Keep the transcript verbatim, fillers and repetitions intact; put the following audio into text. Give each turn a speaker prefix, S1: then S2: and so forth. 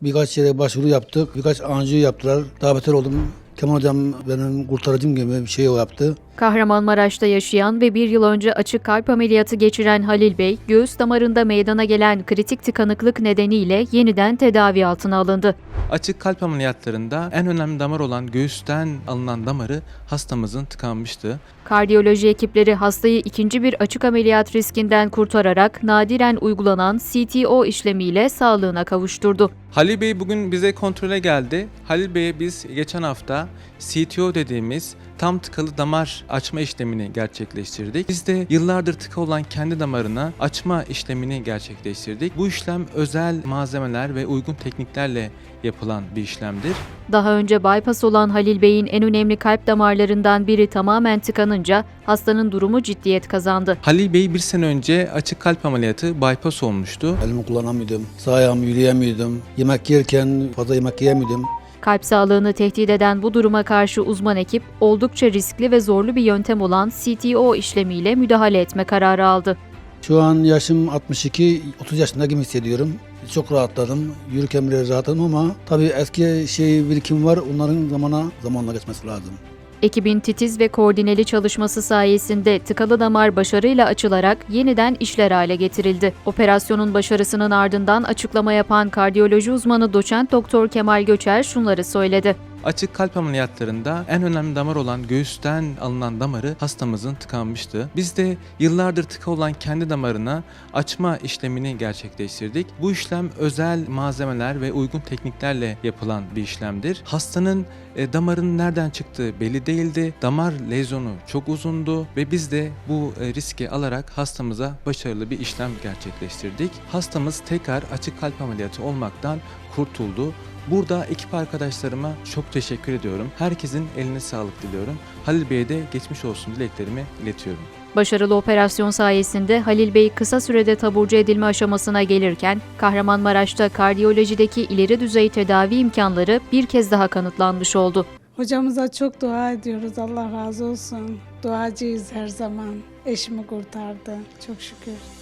S1: Birkaç yere başvuru yaptık. Birkaç anjiyo yaptılar. Daha beter oldum. Kemal Hocam benim kurtarıcım gibi bir şey o yaptı.
S2: Kahramanmaraş'ta yaşayan ve bir yıl önce açık kalp ameliyatı geçiren Halil Bey, göğüs damarında meydana gelen kritik tıkanıklık nedeniyle yeniden tedavi altına alındı.
S3: Açık kalp ameliyatlarında en önemli damar olan göğüsten alınan damarı hastamızın tıkanmıştı.
S2: Kardiyoloji ekipleri hastayı ikinci bir açık ameliyat riskinden kurtararak nadiren uygulanan C T O işlemiyle sağlığına kavuşturdu.
S3: Halil Bey bugün bize kontrole geldi. Halil Bey'e biz geçen hafta C T O dediğimiz tam tıkalı damar açma işlemini gerçekleştirdik. Biz de yıllardır tıka olan kendi damarına açma işlemini gerçekleştirdik. Bu işlem özel malzemeler ve uygun tekniklerle yapılan bir işlemdir.
S2: Daha önce bypass olan Halil Bey'in en önemli kalp damarlarından biri tamamen tıkanınca hastanın durumu ciddiyet kazandı.
S3: Halil Bey bir sene önce açık kalp ameliyatı bypass olmuştu.
S1: Elimi kullanamıyordum. Sağ ayağımı yürüyemiyordum. Yemek yerken fazla yemek yiyemiyordum.
S2: Kalp sağlığını tehdit eden bu duruma karşı uzman ekip oldukça riskli ve zorlu bir yöntem olan C T O işlemiyle müdahale etme kararı aldı.
S1: Şu an yaşım altmış iki, otuz yaşında gibi hissediyorum. Çok rahatladım. Yürürken bile rahatladım ama tabii eski şey birikim var. Onların zamana zamanla geçmesi lazım.
S2: Ekibin titiz ve koordineli çalışması sayesinde tıkalı damar başarıyla açılarak yeniden işler hale getirildi. Operasyonun başarısının ardından açıklama yapan kardiyoloji uzmanı doçent doktor Kemal Göçer şunları söyledi.
S3: Açık kalp ameliyatlarında en önemli damar olan göğüsten alınan damarı hastamızın tıkanmıştı. Biz de yıllardır tıka olan kendi damarına açma işlemini gerçekleştirdik. Bu işlem özel malzemeler ve uygun tekniklerle yapılan bir işlemdir. Hastanın e, damarın nereden çıktığı belli değildi. Damar lezyonu çok uzundu ve biz de bu e, riski alarak hastamıza başarılı bir işlem gerçekleştirdik. Hastamız tekrar açık kalp ameliyatı olmaktan kurtuldu. Burada ekip arkadaşlarıma çok teşekkür ediyorum. Herkesin eline sağlık diliyorum. Halil Bey'e de geçmiş olsun dileklerimi iletiyorum.
S2: Başarılı operasyon sayesinde Halil Bey kısa sürede taburcu edilme aşamasına gelirken Kahramanmaraş'ta kardiyolojideki ileri düzey tedavi imkanları bir kez daha kanıtlanmış oldu.
S4: Hocamıza çok dua ediyoruz. Allah razı olsun. Duacıyız her zaman. Eşimi kurtardı. Çok şükür.